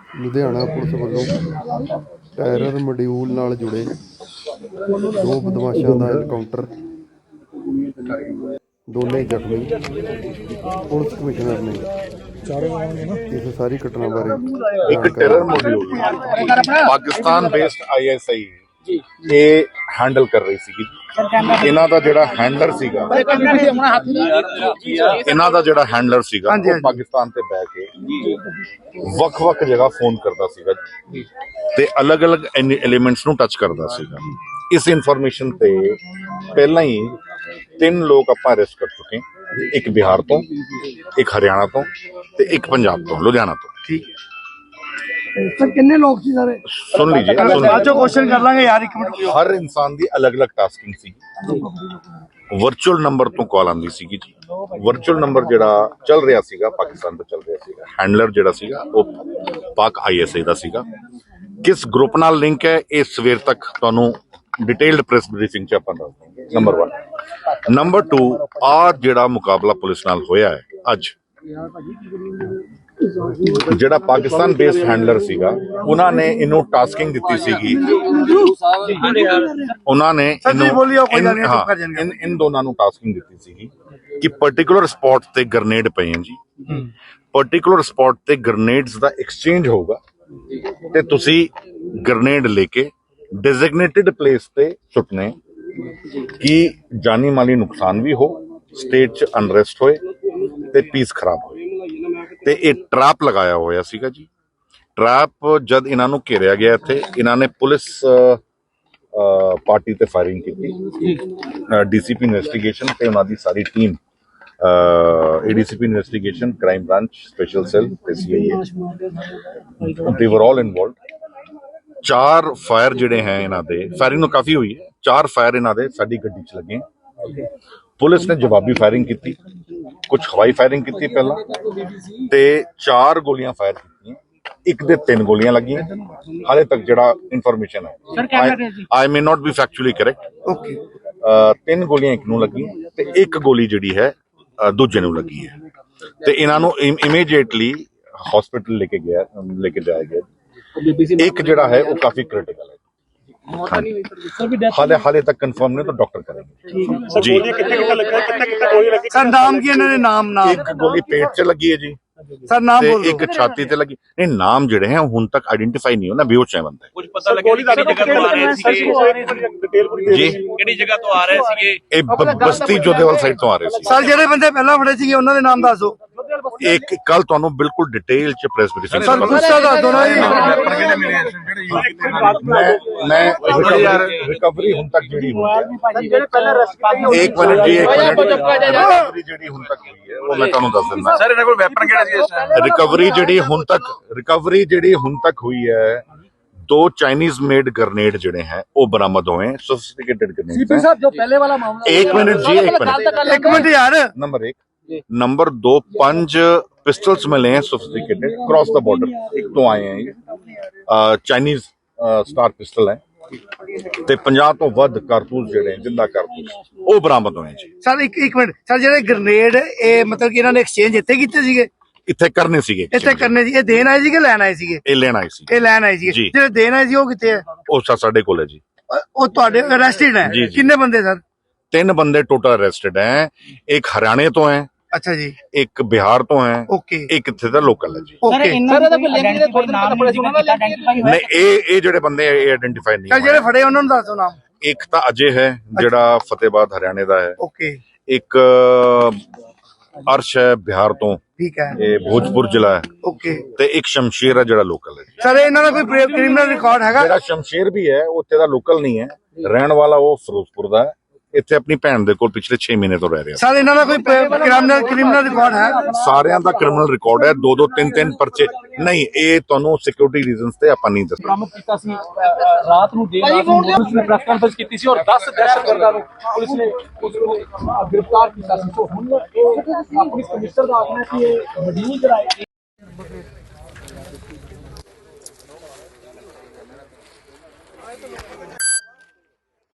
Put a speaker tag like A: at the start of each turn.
A: Ludhiana police ਵੱਲੋਂ terror module ਨਾਲ ਜੁੜੇ 2 ਬਦਮਾਸ਼ਾਂ ਦਾ ਐਨਕਾਊਂਟਰ, ਦੋਨੇ ਜ਼ਖਮੀ। ਪੁਲਿਸ ਕਮਿਸ਼ਨਰ ਨੇ ਇਸ ਸਾਰੀ ਘਟਨਾ ਬਾਰੇ
B: ਇੱਕ terror module Pakistan based ISI ਇਹ ਹੈਂਡਲ ਕਰ ਰਹੀ ਸੀਗੀ। ਇਹਨਾਂ ਦਾ ਜਿਹੜਾ ਹੈਂਡਲਰ ਸੀਗਾ ਉਹ ਪਾਕਿਸਤਾਨ ਤੇ ਬਹਿ ਕੇ ਵੱਖ-ਵੱਖ ਜਗ੍ਹਾ ਫੋਨ ਕਰਦਾ ਸੀਗਾ ਤੇ ਅਲੱਗ-ਅਲੱਗ ਐਲੀਮੈਂਟਸ ਨੂੰ ਟੱਚ ਕਰਦਾ ਸੀਗਾ। ਇਸ ਇਨਫੋਰਮੇਸ਼ਨ ਤੇ ਪਹਿਲਾਂ ਹੀ 3 ਲੋਕ ਆਪਾਂ ਅਰੈਸਟ ਕਰ ਚੁੱਕੇ, ਇੱਕ ਬਿਹਾਰ ਤੋਂ, ਇੱਕ ਹਰਿਆਣਾ ਤੋਂ ਤੇ ਇੱਕ ਪੰਜਾਬ ਤੋਂ, ਲੁਧਿਆਣਾ ਤੋਂ।
C: ठीक है सर, कितने लोग सी सारे?
B: सुन लीजिए,
C: क्वेश्चन कर लांगे यार, एक मिनट।
B: हर इंसान की अलग-अलग टास्किंग सी। वर्चुअल नंबर तो कॉल आंदी सी जी। वर्चुअल नंबर ਜਿਹੜਾ ਚੱਲ ਰਿਹਾ ਸੀਗਾ ਪਾਕਿਸਤਾਨ ਤੋਂ ਚੱਲ ਰਿਹਾ ਸੀਗਾ। ਹੈਂਡਲਰ ਜਿਹੜਾ ਸੀਗਾ ਉਹ ਪਾਕ ISI ਦਾ ਸੀਗਾ। ਕਿਸ ਗਰੁੱਪ ਨਾਲ ਲਿੰਕ ਹੈ ਇਹ ਸਵੇਰ ਤੱਕ ਤੁਹਾਨੂੰ ਡਿਟੇਲਡ ਪ੍ਰੈਸ ਬਰੀਫਿੰਗ ਚ ਆਪਾਂ ਦੱਸ ਦਾਂਗੇ। ਨੰਬਰ 1। ਨੰਬਰ 2, ਆ ਜਿਹੜਾ ਮੁਕਾਬਲਾ ਪੁਲਿਸ ਨਾਲ ਹੋਇਆ ਹੈ ਅੱਜ, ਜਿਹੜਾ ਪਾਕਿਸਤਾਨ ਬੇਸਡ ਹੈਂਡਲਰ ਸੀਗਾ ਉਹਨਾਂ ਨੇ ਇਹਨੂੰ ਟਾਸਕਿੰਗ ਦਿੱਤੀ ਸੀਗੀ। ਉਹਨਾਂ ਨੇ ਇਨ ਦੋਨਾਂ ਨੂੰ ਟਾਸਕਿੰਗ ਦਿੱਤੀ ਸੀਗੀ ਕਿ ਪਾਰਟਿਕੂਲਰ ਸਪੌਟ ਤੇ ਗ੍ਰੇਨੇਡ ਪਏ ਹਨ ਜੀ। ਪਾਰਟਿਕੂਲਰ ਸਪੌਟ ਤੇ ਗ੍ਰੇਨੇਡਸ ਦਾ ਐਕਸਚੇਂਜ ਹੋਊਗਾ ਤੇ ਤੁਸੀਂ ਗ੍ਰੇਨੇਡ ਲੈ ਕੇ ਡੈਜ਼ਿਗਨੇਟਿਡ ਪਲੇਸ ਤੇ ਸੁੱਟਨੇ ਕਿ ਜਾਨੀ ਮਾਲੀ ਨੁਕਸਾਨ ਵੀ ਹੋ, ਸਟੇਟ 'ਚ ਅਨਰੈਸਟ ਹੋਏ ਤੇ ਪੀਸ ਖਰਾਬ ਹੋਏ। ਤੇ ਇਹ ਟਰੈਪ ਲਗਾਇਆ ਹੋਇਆ ਸੀਗਾ ਜੀ। ਟਰੈਪ ਜਦ ਇਹਨਾਂ ਨੂੰ ਘੇਰਿਆ ਗਿਆ ਇੱਥੇ, ਇਹਨਾਂ ਨੇ ਪੁਲਿਸ ਪਾਰਟੀ ਤੇ ਫਾਇਰਿੰਗ ਕੀਤੀ। DCP ਇਨਵੈਸਟੀਗੇਸ਼ਨ ਤੇ ਉਹਨਾਂ ਦੀ ਸਾਰੀ team, ADCP investigation, crime branch, special cell ਤੇ CIA, ਦੇ ਵਰ ਆਲ ਇਨਵੋਲਵਡ। 4 ਫਾਇਰ ਜਿਹੜੇ ਹੈ ਇਹਨਾਂ ਦੇ, ਫਾਇਰਿੰਗ ਨੂੰ ਕਾਫੀ ਹੋਈ ਹੈ, 4 ਫਾਇਰ ਇਹਨਾਂ ਦੇ ਸਾਡੀ ਗੱਡੀ 'ਚ ਲੱਗੇ। ਪੁਲਿਸ ਨੇ ਜਵਾਬੀ ਫਾਇਰਿੰਗ ਕੀਤੀ, ਕੁਝ ਹਵਾਈ ਫਾਇਰਿੰਗ ਕੀਤੀ ਪਹਿਲਾਂ, ਤੇ 4 ਗੋਲੀਆਂ ਫਾਇਰ ਕੀਤੀਆਂ। ਇੱਕ ਦੇ 3 ਗੋਲੀਆਂ ਲੱਗੀਆਂ। ਹਾਲੇ ਤੱਕ ਜਿਹੜਾ ਇਨਫੋਰਮੇਸ਼ਨ ਹੈ, I may not be factually correct, 3 ਗੋਲੀਆਂ ਇੱਕ ਨੂੰ ਲੱਗੀਆਂ ਤੇ ਇੱਕ ਗੋਲੀ ਜਿਹੜੀ ਹੈ ਦੂਜੇ ਨੂੰ ਲੱਗੀ ਹੈ। ਤੇ ਇਹਨਾਂ ਨੂੰ ਇਮੀਡੀਏਟਲੀ ਹਸਪੀਟਲ ਲੈ ਕੇ ਜਾਇਆ ਗਿਆ। ਇੱਕ ਜਿਹੜਾ ਹੈ ਉਹ ਕਾਫੀ ਕ੍ਰਿਟੀਕਲ ਹੈ। हाले तक कंफर्म नहीं, तो डॉक्टर करेंगे जी।
C: सर नाम की इन्होंने नाम
B: एक गोली पेट से लगी है जी
C: सर, नाम बोल
B: एक छाती ते लगी। नहीं, नाम जिहड़े हैं हुण तक आइडेंटिफाई नहीं होना, बेहोश है बंदा।
D: कुछ पता लगे किहड़ी जगह तो आ रहे सी जी, किहड़ी जगह तो आ रहे सी?
B: ये बस्ती जोधेवाल साइड तो आ रहे सी।
C: सर ਜਿਹੜੇ ਬੰਦੇ ਪਹਿਲਾਂ ਫੜੇ ਸੀਗੇ ਉਹਨਾਂ ਦੇ ਨਾਮ ਦੱਸੋ।
B: एक कल ਤੁਹਾਨੂੰ ਬਿਲਕੁਲ ਡਿਟੇਲ ਚ ਪ੍ਰੈਸ ਬਰੀਫਿੰਗ
C: ਸਰ ਗੁੱਸਾ ਦੱਸ ਦੋ ਨਾ ਜੀ।
B: मैं रिकवरी हुण तक ਜਿਹੜੀ ਹੋਈ ਹੈ, एक मिनट जी, एक मिनट, रिकवरी ਜਿਹੜੀ हुण तक ਹੋਈ ਹੈ ਉਹ ਮੈਂ ਤੁਹਾਨੂੰ ਦੱਸ ਦਿੰਦਾ।
D: सर ਇਹਨਾਂ ਕੋਲ ਵੈਪਨ ਕਿਹੜਾ ਸੀ ਇਸ ਟਾਈਮ?
B: ਰਿਕਵਰੀ ਜਿਹੜੀ ਹੁਣ ਤੱਕ ਹੋਈ ਹੈ, 2 चाइनीज मेड ग्रेनेड ਜਿਹੜੇ हैं वो बरामद हुए हैं, सोफिस्टिकेटेड ग्रेनेड।
C: सीपी साहब जो पहले वाला मामला,
B: एक मिनट जी, एक मिनट
C: यार।
B: नंबर 1, नंबर 2, 5 पिस्टल्स मिले हैं सोफिस्टिकेटेड, क्रॉस द बॉर्डर। एक तो आए हैं चाइनीज स्टार पिस्टल है ਤੇ 50 ਤੋਂ ਵੱਧ ਕਾਰਤੂਸ ਜਿਹੜੇ ਜਿੰਦਾ ਕਾਰਤੂਸ ਉਹ ਬਰਾਮਦ ਹੋਏ ਜੀ।
C: ਸਰ ਇੱਕ ਮਿੰਟ ਸਰ, ਜਿਹੜੇ ਗ੍ਰੇਨੇਡ ਇਹ ਮਤਲਬ ਕਿ ਇਹਨਾਂ ਨੇ ਐਕਸਚੇਂਜ ਇੱਥੇ ਕੀਤੇ ਸੀਗੇ?
B: ਇੱਥੇ ਕਰਨੇ ਸੀਗੇ,
C: ਇੱਥੇ ਕਰਨੇ ਸੀ। ਇਹ ਦੇਣ ਆਏ ਸੀ ਕਿ ਲੈਣ ਆਏ ਸੀਗੇ?
B: ਇਹ ਲੈਣ ਆਏ ਸੀ।
C: ਇਹ ਲੈਣ ਆਏ ਸੀਗੇ। ਜਿਹੜੇ ਦੇਣ ਆਏ ਸੀ ਉਹ ਕਿੱਥੇ ਹੈ?
B: ਉਹ ਸਾਡੇ ਕੋਲ ਹੈ ਜੀ।
C: ਉਹ ਤੁਹਾਡੇ ਅਰੈਸਟਡ ਹੈ? ਕਿੰਨੇ ਬੰਦੇ ਸਰ?
B: 3 ਬੰਦੇ ਟੋਟਲ ਅਰੈਸਟਡ ਹੈ। ਇੱਕ ਹਰਿਆਣੇ ਤੋਂ ਹੈ,
C: अच्छा जी,
B: एक बिहार तो है,
C: ओके,
B: एक इत्थे दा लोकल है जी।
C: ओके
B: नहीं, ये जेडे बंदे आइडेंटिफाई नहीं
C: सर, जेडे फड़े उन्होंने दसो नाम।
B: एक तो अजय है जेड़ा फतेहाबाद हरियाणे दा है,
C: ओके,
B: एक अर्श है बिहार तो,
C: ठीक है,
B: ये भोजपुर जिला है,
C: ओके,
B: ते एक शमशेर है जेड़ा लोकल है।
C: सर इन्हां दा कोई क्रिमिनल रिकॉर्ड हैगा?
B: जेड़ा शमशेर भी है उत्थे दा लोकल नहीं है, रहन वाला वो फिरोजपुर दा है। ਇੱਥੇ ਆਪਣੀ ਭੈਣ ਦੇ ਕੋਲ ਪਿਛਲੇ 6 ਮਹੀਨੇ ਤੋਂ ਰਹਿ ਰਿਹਾ।
C: ਸਰ ਇਹਨਾਂ ਦਾ ਕੋਈ ਕ੍ਰਿਮੀਨਲ ਰਿਕਾਰਡ ਹੈ?
B: ਸਾਰਿਆਂ ਦਾ ਕ੍ਰਿਮੀਨਲ ਰਿਕਾਰਡ ਹੈ, 2-2 3-3 ਪਰਚੇ। ਨਹੀਂ, ਇਹ ਤੁਹਾਨੂੰ ਸਿਕਿਉਰਿਟੀ ਰੀਜ਼ਨਸ ਤੇ ਆਪਾਂ ਨਹੀਂ ਦੱਸ।
E: ਬਰਾਮਦ ਕੀਤਾ ਸੀ ਰਾਤ ਨੂੰ, ਦੇਰ ਰਾਤ ਨੂੰ ਪੁਲਿਸ ਨੇ ਪ੍ਰੈਸ ਕਾਨਫਰੰਸ ਕੀਤੀ ਸੀ ਔਰ 10 ਦਹਿਸ਼ਤਗਰਦਾਂ ਨੂੰ ਪੁਲਿਸ ਨੇ ਗ੍ਰਿਫਤਾਰ ਕੀਤਾ ਸੀ। ਸੋ ਹੁਣ ਇਹ ਪੁਲਿਸ ਕਮਿਸ਼ਨਰ ਦਾ ਆਖਣਾ ਕਿ ਇਹ ਮੋਡਿਊਲ ਜਿਹੜਾ